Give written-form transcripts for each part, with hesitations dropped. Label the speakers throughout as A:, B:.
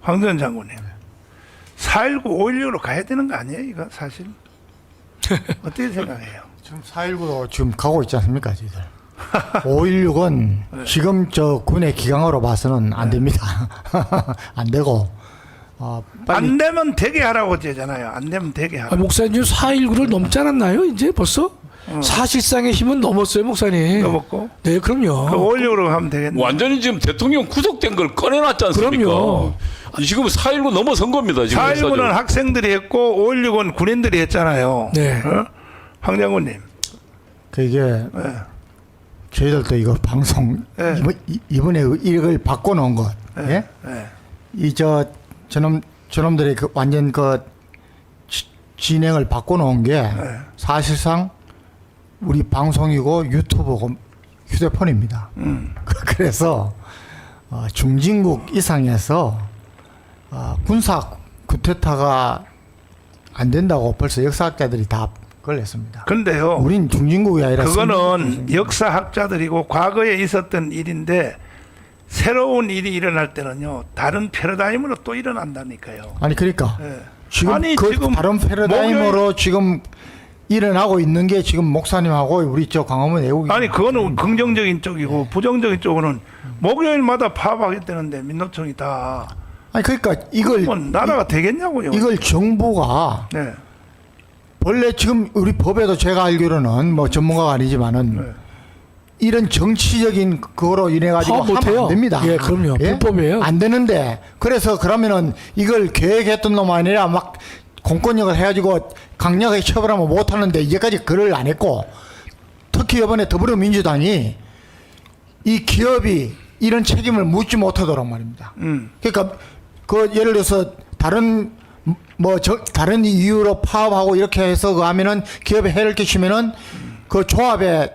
A: 황 전 장군님. 4.19, 5.16로 가야 되는 거 아니에요? 이거 사실. 어떻게 생각해요?
B: 지금 4.19로 지금 가고 있지 않습니까, 저희들? 5.16은 지금 저 군의 기강으로 봐서는 안 됩니다. 안 되고,
A: 안 되면 되게 하라고 하잖아요. 안 되면 되게 하라고.
C: 목사님 4.19를 넘지 않았나요? 이제 벌써? 사실상의 힘은 넘었어요, 목사님.
A: 넘었고.
C: 네, 그럼요.
A: 그 5.16로 가면 되겠네.
D: 완전히 지금 대통령 구속된 걸 꺼내놨지 않습니까?
C: 그럼요.
D: 지금 4.19 넘어선 겁니다. 지금
A: 4.19는 학생들이 했고 5.16은 군인들이 했잖아요.
C: 네.
A: 어? 황 장군님.
B: 이게 저희들도 이거 방송
A: 네.
B: 이번에 이걸 바꿔놓은 것, 예? 이 저놈들이 그 완전 그 진행을 바꿔놓은 게 사실상 우리 방송이고 유튜브고 휴대폰입니다. 그래서 중진국 이상에서 군사 쿠데타가 안 된다고 벌써 역사학자들이 다 걸렸습니다.
A: 근데요.
B: 우린 중진국이 아니라
A: 그거는 역사학자들이고 과거에 있었던 일인데 새로운 일이 일어날 때는요. 다른 패러다임으로 또 일어난다니까요.
B: 아니 그러니까
A: 예.
B: 지금
A: 아니,
B: 그
A: 지금
B: 다른 패러다임으로 지금 일어나고 있는 게 지금 목사님하고 우리 저 광화문 애국이
A: 아니 그거는 긍정적인 쪽이고 부정적인 쪽으로는 목요일마다 파업하겠다는데 민노총이 다.
B: 아니 그러니까 이걸
A: 그러면 나라가 되겠냐고요.
B: 이걸 정부가
A: 네.
B: 원래 지금 우리 법에도 제가 알기로는 뭐 전문가가 아니지만은
A: 네.
B: 이런 정치적인 그거로 인해 가지고
C: 파업
B: 하면
C: 못해요.
B: 안 됩니다.
C: 예, 그럼요. 불법이에요.
B: 안 되는데 그래서 그러면은 이걸 계획했던 놈 아니라 막 공권력을 해가지고 강력하게 처벌하면 못 하는데 이제까지 그걸 안 했고 특히 이번에 더불어민주당이 이 기업이 이런 책임을 묻지 못하도록 말입니다. 그러니까 그 예를 들어서 다른 다른 이유로 파업하고 이렇게 해서 그 하면은 기업에 해를 끼치면은 그 조합에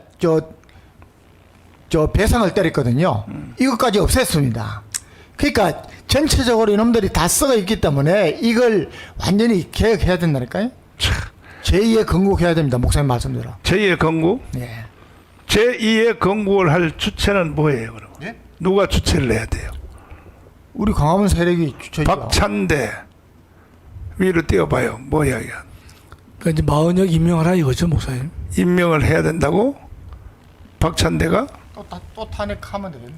B: 저 배상을 때렸거든요. 이것까지 없앴습니다. 그러니까 전체적으로 이놈들이 다 썩어 있기 때문에 이걸 완전히 개혁해야 된다니까요. 제2의 건국해야 됩니다. 목사님 말씀대로.
A: 제2의 건국?
B: 네.
A: 제2의 건국을 할 주체는 뭐예요, 그럼?
B: 예?
A: 누가 주체를 해야 돼요?
B: 우리 광화문 세력이 주체죠.
A: 박찬대 위로 띄워봐요. 뭐야 이거?
C: 그러니까 이제 마은혁 임명하라 이거죠, 목사님.
A: 임명을 해야 된다고? 박찬대가?
B: 또 탄핵하면 되겠네.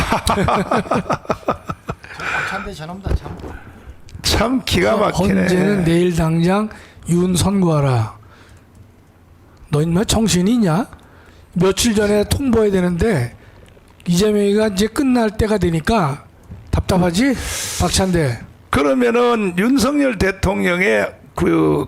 B: 박찬대 저놈다 참.
A: 참 기가 막히네.
C: 헌재는 내일 당장 윤 선고하라. 너 인마 정신이 있냐? 며칠 전에 통보해야 되는데 이재명이가 이제 끝날 때가 되니까 답답하지? 박찬대.
A: 그러면은 윤석열 대통령의 그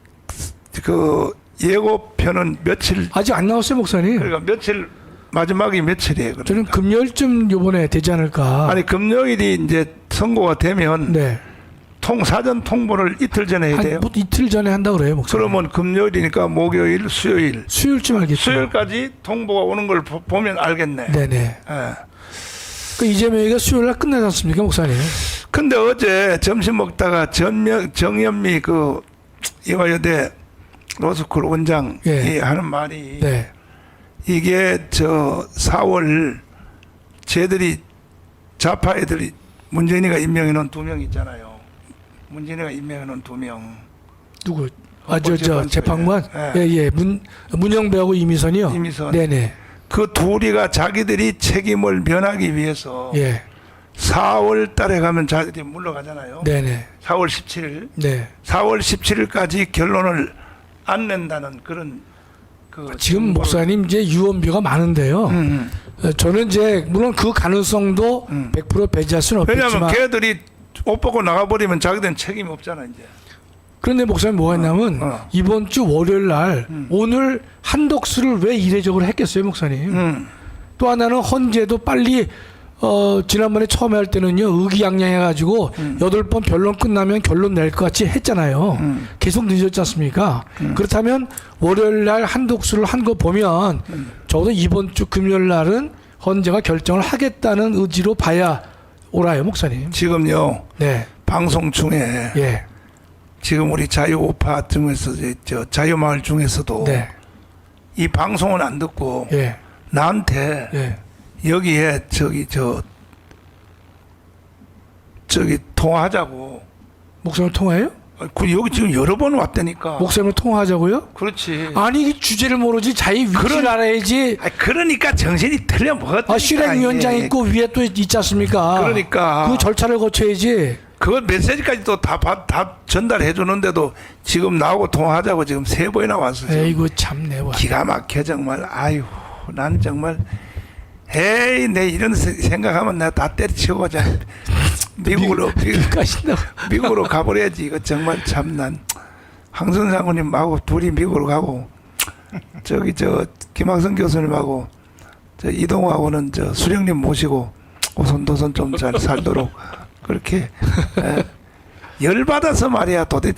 A: 예고편은 며칠?
C: 아직 안 나왔어요, 목사님.
A: 그러니까 며칠 마지막이 며칠이에요? 그러니까.
C: 저는 금요일쯤 요번에 되지 않을까.
A: 아니 금요일이 이제 선고가 되면
C: 네.
A: 사전 통보를 이틀 전에 해야 돼요.
C: 뭐 이틀 전에 한다 그래요, 목사님.
A: 그러면 금요일이니까 목요일, 수요일.
C: 수요일쯤 알겠죠.
A: 수요일까지 통보가 오는 걸 보면 알겠네.
C: 네네.
A: 예.
C: 그 이재명이가 수요일 날 끝나지 않습니까, 목사님?
A: 근데 어제 점심 먹다가 정현미 그 이화여대 로스쿨 원장이
C: 예.
A: 하는 말이
C: 네.
A: 이게 저 4월 쟤들이 좌파 애들이 문재인이가 임명해 놓은 2명 있잖아요. 문재인이가 임명해 놓은 2명.
C: 누구?
A: 헌법
C: 저 재판관?
A: 예.
C: 예. 문영배하고 이미선이요?
A: 이미선.
C: 네네.
A: 그 둘이가 자기들이 책임을 면하기 위해서
C: 예.
A: 4월 달에 가면 자기들이 물러가잖아요.
C: 네네.
A: 4월 17일.
C: 네.
A: 4월 17일까지 결론을 안 낸다는 그런
C: 지금 목사님 이제 유언비가 많은데요. 저는 이제 물론 그 가능성도 100% 배제할 수는
A: 왜냐하면
C: 없겠지만
A: 걔들이 옷 벗고 나가버리면 자기들은 책임이 없잖아 이제.
C: 그런데 목사님 뭐가 있냐면 이번 주 월요일 날 오늘 한덕수를 왜 이례적으로 했겠어요, 목사님? 또 하나는 헌재도 빨리 지난번에 처음에 할 때는요 의기양양해가지고 8번 변론 끝나면 결론 낼 것 같이 했잖아요. 계속 늦었지 않습니까? 그렇다면 월요일 날 한독수를 한 거 보면 적어도 이번 주 금요일 날은 헌재가 결정을 하겠다는 의지로 봐야 옳아요, 목사님.
A: 지금요
C: 네.
A: 방송 중에
C: 예.
A: 지금 우리 자유우파 중에서 저 자유마을 중에서도
C: 네.
A: 이 방송은 안 듣고
C: 예.
A: 나한테
C: 예.
A: 여기에 저기 통화하자고.
C: 목사님 통화해요?
A: 여기 지금 여러 번 왔다니까.
C: 목사님 통화하자고요?
A: 그렇지.
C: 아니 이 주제를 모르지 자기 위치를 알아야지.
A: 그러니까 정신이 틀려 먹었다.
C: 실행위원장 있고 위에 또 있지 않습니까?
A: 그러니까.
C: 그 절차를 거쳐야지.
A: 그걸 메시지까지 또 다 전달해 주는데도 지금 나오고 통화하자고 지금 3번이나 왔어. 지금.
C: 에이구 참내 와.
A: 기가 막혀 정말. 아유, 난 정말 에이 내 이런 생각하면 내가 다 때려치우고 미국으로 가버려야지. 이거 정말 참 난 황선 장군님하고 둘이 미국으로 가고 저기 저 김학성 교수님하고 저 이동하고는 저 수령님 모시고 오손도손 좀 잘 살도록 그렇게 열받아서 말이야. 도대체